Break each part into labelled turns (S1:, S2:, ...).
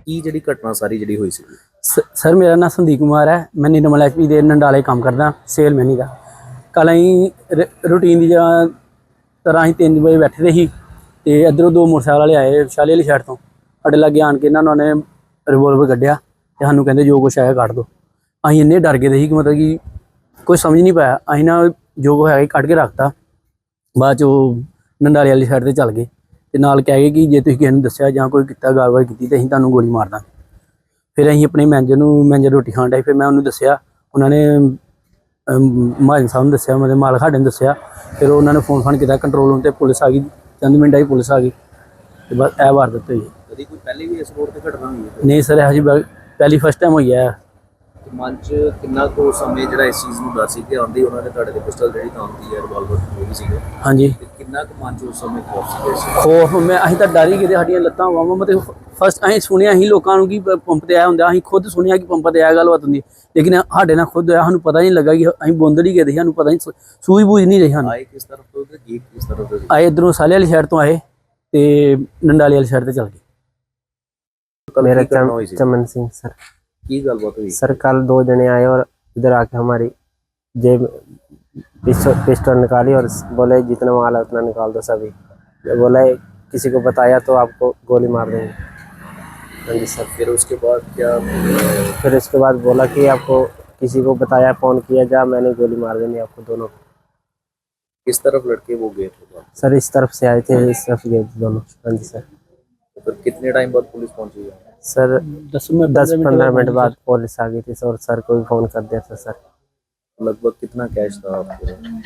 S1: ਕੀ ਜਿਹੜੀ ਘਟਨਾ ਸਾਰੀ ਜਿਹੜੀ ਹੋਈ ਸੀ?
S2: सर मेरा नाम संदीप कुमार है। मैं निर्मल एचपी ਦੇ नंडाले काम करदा सेल मैनी का। कल अं रूटीन की तरह अं 3 बजे बैठे दे ही ते इधरों 2 मोटरसाइकिल वाले आए शाले वाली साइड तो साढ़े लागे आन के इन्होंने रिवोल्वर कढ़िया ते सानू कहंदे जो कुछ है कट दो। अं इन्ने डर गए थे कि मतलब कि कोई समझ नहीं पाया। अं ना जो कुछ है कट के रखता। बाद चो नंडाले वाली साइड ते चल गए ते नाल कह गए कि जे तुसीं किसी नूं दस्सिया जां कोई किता गलबात कीती ते असीं तुहानूं गोली मार दांगे। फिर असीं अपने मैनेजर रोटी खाण डए। फिर मैं उन्होंने दस्सिया, उन्होंने महाजन साहब ने दस्सिया, मतलब मालक साडे ने दस्सिया। फिर उन्होंने फोन किया कंट्रोल रूम ते पुलिस आ गई। चंद मिनट ही पुलिस आ गई ते बस यह वारदात हुई।
S1: कभी कोई पहले भी इस रोड ते घटना हुई है?
S2: नहीं सर, यह जी पहली फर्स्ट टाइम हुई है।
S1: मन च कितना को समय ਜਿਹੜਾ ਇਸ चीज़ ਨੂੰ ਡਰ ਸੀ ਕਿ ਆਂਦੀ ਉਹਨਾਂ ਨੇ ਤੁਹਾਡੇ ਤੇ ਪਿਸਟਲ ਜਿਹੜੀ ਤਾਂਦੀ ਹੈ ਰਿਵਾਲਵਰ ਹੋਈ ਸੀ
S2: हाँ जी,
S1: ਕਿੰਨਾ ਕੁ ਮਨ ਚ ਉਸ ਸਮੇਂ ਖੌਫ ਸੀ?
S2: खौफ मैं अं तो डर ही गए साड़ियाँ लत्तां बावां। मतलब फस्ट अं सुनिया ही लोगों की पंप ते आया होंगे, अं खुद सुनिया कि पंप ते आया गलबात होंगी, लेकिन साढ़े नाल खुद होया। सानूं पता नहीं लगा कि अं बोंदड़ ही गए थे। सानूं पता नहीं सूझ बूझ नहीं रही।
S1: आए किस तरफ तो ते गए किस तरफ तो?
S2: आए इधरों साले वाली साइड तो आए ते नंडाले वाली साइड ते चल गए।
S3: मेरा चमन सिंह सर।
S1: की गलबात हुई
S3: सर कल 2 जने आए और इधर आके हमारी जेब पिस्टल निकाली और बोले जितना माल है उतना निकाल दो सभी। बोला किसी को बताया तो आपको गोली मार देंगे। हाँ जी सर।
S1: फिर उसके बाद क्या?
S3: फिर उसके बाद बोला कि आपको किसी को बताया, फ़ोन किया जा, मैंने गोली मार देनी आपको दोनों।
S1: किस तरफ लड़के वो गए थे?
S3: सर इस तरफ से आए थे, इस तरफ गए थे दोनों। हाँ जी सर।
S1: तो फिर कितने टाइम बाद पुलिस पहुंची है?
S3: सर 10-15 मिनट बाद पुलिस आ गई थी और सर को भी फ़ोन कर दिया था सर।
S1: लगभग कितना कैश था आपके?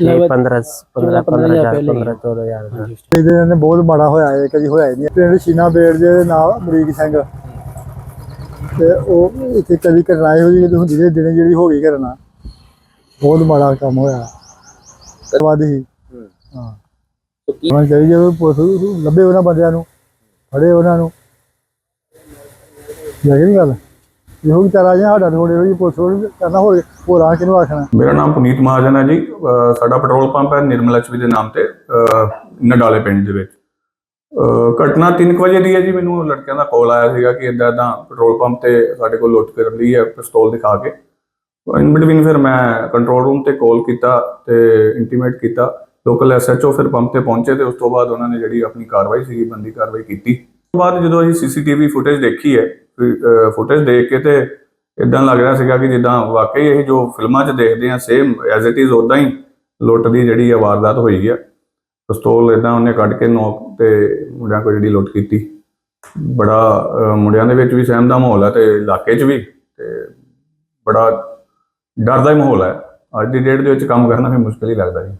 S3: 15-14
S4: ਇਹਦੇ ਨੇ ਬਹੁਤ ਮਾੜਾ ਹੋਇਆ ਹੈ, ਕਦੀ ਹੋਇਆ ਹੀ ਨਹੀਂ। ਪਿੰਡ ਸ਼ੀਨਾ ਬੇੜ ਦੇ ਨਾਲ ਅਮਰੀਕ ਸਿੰਘ ਤੇ ਉਹ ਇੱਥੇ ਕਦੀ ਘਟਨਾ ਇਹੋ ਜਿਹੀ ਹੁੰਦੀ ਹੈ ਦਿਨੇ ਜਿਹੜੀ ਹੋ ਗਈ ਘਟਨਾ, ਬਹੁਤ ਮਾੜਾ ਕੰਮ ਹੋਇਆ। ਵਾਦ ਹੀ ਹਾਂ ਉਹਨਾਂ ਚਾਹੀਦੀ ਜਦੋਂ ਪੁਲਿਸ ਲੱਭੇ ਉਹਨਾਂ ਬੰਦਿਆਂ ਨੂੰ, ਫੜੇ ਉਹਨਾਂ ਨੂੰ। ਲੱਗ ਨਹੀਂ ਗੱਲ ਇਹੋ ਵੀ ਚਾਰਾ ਜਿਹਾ ਸਾਡਾ ਥੋੜੇ ਜਿਹੀ ਪੁਲਿਸ ਕਰਨਾ ਹੋਰ ਆ ਕਿਹਨੂੰ ਆਖਣਾ।
S5: ਮੇਰਾ ਨਾਮ ਪੁਨੀਤ ਮਹਾਜਨ ਹੈ ਜੀ। ਸਾਡਾ ਪੈਟਰੋਲ ਪੰਪ ਹੈ ਨਿਰਮਲ ਐਚਪੀ ਦੇ ਨਾਮ ਤੇ ਨਡਾਲੇ ਪਿੰਡ ਦੇ ਵਿੱਚ। ਘਟਨਾ 3 ਵਜੇ ਦੀ ਹੈ ਜੀ। ਮੈਨੂੰ ਲੜਕਿਆਂ ਦਾ ਕਾਲ ਆਇਆ ਸੀਗਾ ਕਿ ਇੱਦਾਂ ਪੈਟਰੋਲ ਪੰਪ ਤੇ ਸਾਡੇ ਕੋਲ ਲੁੱਟ ਕਰ ਲਈ ਹੈ ਪਿਸਤੌਲ ਦਿਖਾ ਕੇ। ਇਨ ਬਿਟਵੀਨ ਫਿਰ ਮੈਂ ਕੰਟਰੋਲ ਰੂਮ ਤੇ ਕਾਲ ਕੀਤਾ ਤੇ ਇੰਟੀਮੇਟ ਕੀਤਾ। ਲੋਕਲ ਐਸਐਚਓ ਫਿਰ ਪੰਪ ਤੇ ਪਹੁੰਚੇ ਤੇ ਉਸ ਤੋਂ ਬਾਅਦ ਉਹਨਾਂ ਨੇ ਜਿਹੜੀ ਆਪਣੀ ਕਾਰਵਾਈ ਸੀਗੀ ਬੰਦੀ ਕਾਰਵਾਈ ਕੀਤੀ। ਉਸ ਤੋਂ ਬਾਅਦ ਜਦੋਂ ਅਸੀਂ ਸੀਸੀਟੀਵੀ ਫੁਟੇਜ ਦੇਖੀ ਹੈ, ਫੁਟੇਜ ਦੇਖ ਕੇ ਤੇ ਇਦਾਂ ਲੱਗ ਰਿਹਾ ਸੀਗਾ ਕਿ ਜਿੱਦਾਂ ਵਾਕਈ ਇਹ ਜੋ ਫਿਲਮਾਂ 'ਚ ਦੇਖਦੇ ਆ ਸੇਮ ਐਜ਼ ਇਟ ਇਜ਼ ਉੱਦਾਂ ਹੀ ਲੁੱਟ ਦੀ ਜਿਹੜੀ ਵਾਰਦਾਤ ਹੋਈ ਹੈ। ਪਿਸਤੌਲ ਇਦਾਂ ਉਹਨੇ ਕੱਢ ਕੇ ਨੋਕ ਤੇ ਮੁੰਡਿਆਂ ਕੋਲ ਜਿਹੜੀ ਲੁੱਟ ਕੀਤੀ। ਬੜਾ ਮੁੰਡਿਆਂ ਦੇ ਵਿੱਚ ਵੀ ਸਹਿਮ ਦਾ ਮਾਹੌਲ ਹੈ ਤੇ ਇਲਾਕੇ 'ਚ ਵੀ ਤੇ ਬੜਾ ਡਰ ਦਾ ਹੀ ਮਾਹੌਲ ਹੈ। ਅੱਜ ਦੀ ਡੇਟ ਦੇ ਵਿੱਚ ਕੰਮ ਕਰਨਾ ਵੀ ਮੁਸ਼ਕਿਲ ਹੀ ਲੱਗਦਾ ਜੀ।